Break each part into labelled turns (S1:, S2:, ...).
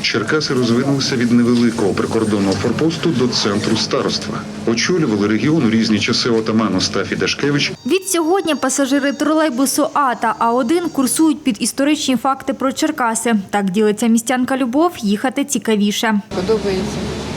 S1: Черкаси розвинулися від невеликого прикордонного форпосту до центру староства. Очолювали регіон у різні часи отаман Остафій Дашкевич.
S2: Відсьогодні пасажири тролейбусу А та А1 курсують під історичні факти про Черкаси. Так ділиться містянка Любов, їхати цікавіше.
S3: Подобається.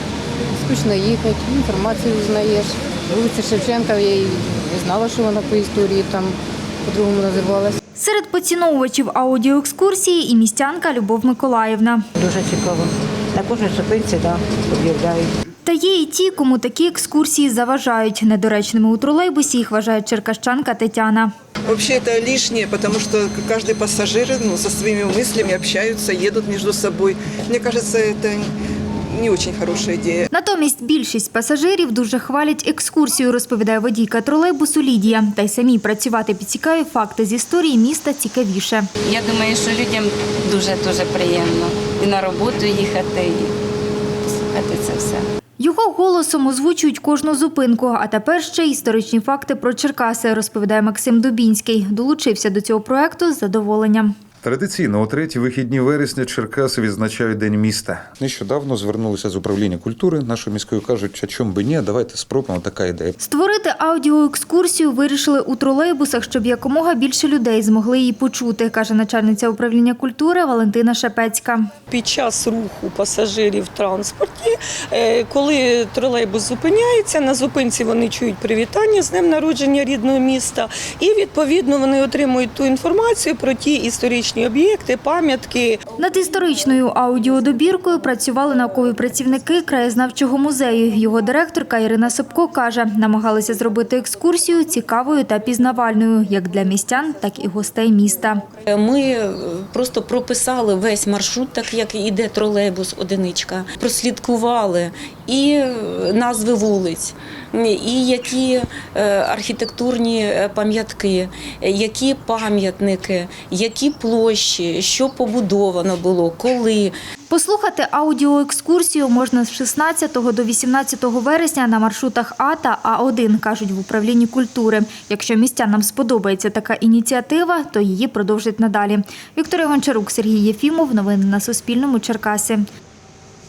S3: Скучно їхати, інформацію знаєш. Вулиця Шевченка, я і не знала, що вона по історії там по-другому називалась.
S2: Серед поціновувачів аудіоекскурсії і містянка Любов Миколаївна.
S4: Дуже цікаво. На кожній зупинці, об'являють.
S2: Та є і ті, кому такі екскурсії заважають. Недоречними у тролейбусі їх вважає черкащанка Тетяна.
S5: Вообще это лишнее, потому что каждый пассажир со своими мыслями общаются, едут между собой. Мне кажется, это не очень хорошая идея.
S2: Натомість більшість пасажирів дуже хвалять екскурсію, розповідає водійка тролейбусу Лідія. Та й самі працювати під цікаві факти з історії міста цікавіше.
S6: Я думаю, що людям дуже приємно і на роботу їхати, і послухати це все.
S2: Його голосом озвучують кожну зупинку, а тепер ще історичні факти про Черкаси, розповідає Максим Дубінський. Долучився до цього проєкту з задоволенням.
S7: Традиційно у треті вихідні вересня Черкаси відзначають День міста. Нещодавно звернулися з управління культури нашої міської, кажуть, а чому би ні, давайте спробуємо, така ідея.
S2: Створити аудіоекскурсію вирішили у тролейбусах, щоб якомога більше людей змогли її почути, каже начальниця управління культури Валентина Шепецька.
S8: Під час руху пасажирів в транспорті, коли тролейбус зупиняється, на зупинці вони чують привітання з днем народження рідного міста і, відповідно, вони отримують ту інформацію про ті історичні об'єкти, пам'ятки.
S2: Над історичною аудіодобіркою працювали наукові працівники краєзнавчого музею. Його директорка Ірина Собко каже, намагалися зробити екскурсію цікавою та пізнавальною як для містян, так і гостей міста.
S9: Ми просто прописали весь маршрут, так як іде тролейбус одиничка, прослідкували і назви вулиць, і які архітектурні пам'ятки, які пам'ятники, які площі, що побудовано було, коли.
S2: Послухати аудіоекскурсію можна з 16 до 18 вересня на маршрутах А та А1, кажуть в управлінні культури. Якщо містянам сподобається така ініціатива, то її продовжать надалі. Вікторія Гончарук, Сергій Єфімов. Новини на Суспільному. Черкаси.